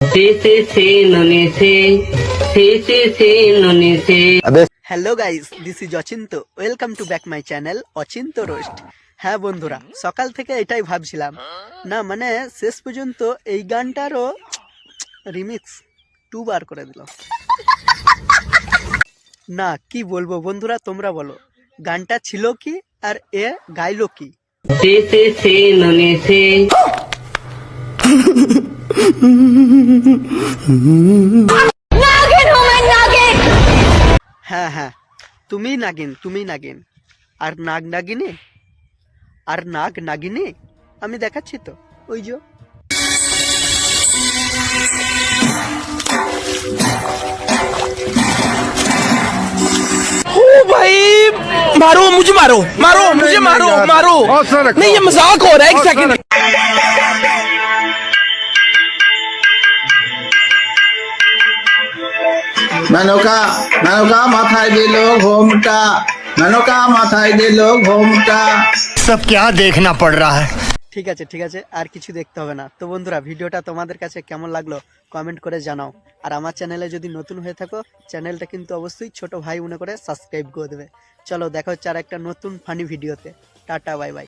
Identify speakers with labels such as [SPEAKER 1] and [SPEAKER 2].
[SPEAKER 1] Hello guys, this is Achinta. Welcome to back my channel Achinta roast. হ্যাঁ বন্ধুরা, সকাল থেকে এটাই ভাবছিলাম, না মানে শেষ পর্যন্ত এই গানটারও রিমিক্স 2 বার করে দিল। না কি বলবো বন্ধুরা, তোমরা বলো গানটা ছিল কি আর এ গাইলো কি? হ্যাঁ হ্যাঁ, তুমি নাগিন আর নাগ নাগিনী আমি দেখাচ্ছি তো, ওই যে
[SPEAKER 2] ओ भाई, मारो मुझे, मारो मारो मुझे, मारो मारो। नहीं, ये मजाक हो रहा है, एक सेकंड।
[SPEAKER 3] মেনকা মেনকা মাথায় দিল ঘোমটা, মেনকা মাথায় দিল ঘোমটা।
[SPEAKER 4] सब क्या देखना पड़ रहा है।
[SPEAKER 1] ঠিক আছে, আর কিছু দেখতে হবে না। তো বন্ধুরা, ভিডিওটা তোমাদের কাছে কেমন লাগলো কমেন্ট করে জানাও। আর আমার চ্যানেলে যদি নতুন হয়ে থাকো, চ্যানেলটা কিন্তু অবশ্যই ছোট ভাই মনে করে সাবস্ক্রাইব করে দেবে। চলো দেখা হচ্ছে আর একটা নতুন ফানি ভিডিওতে। Tata, bye by.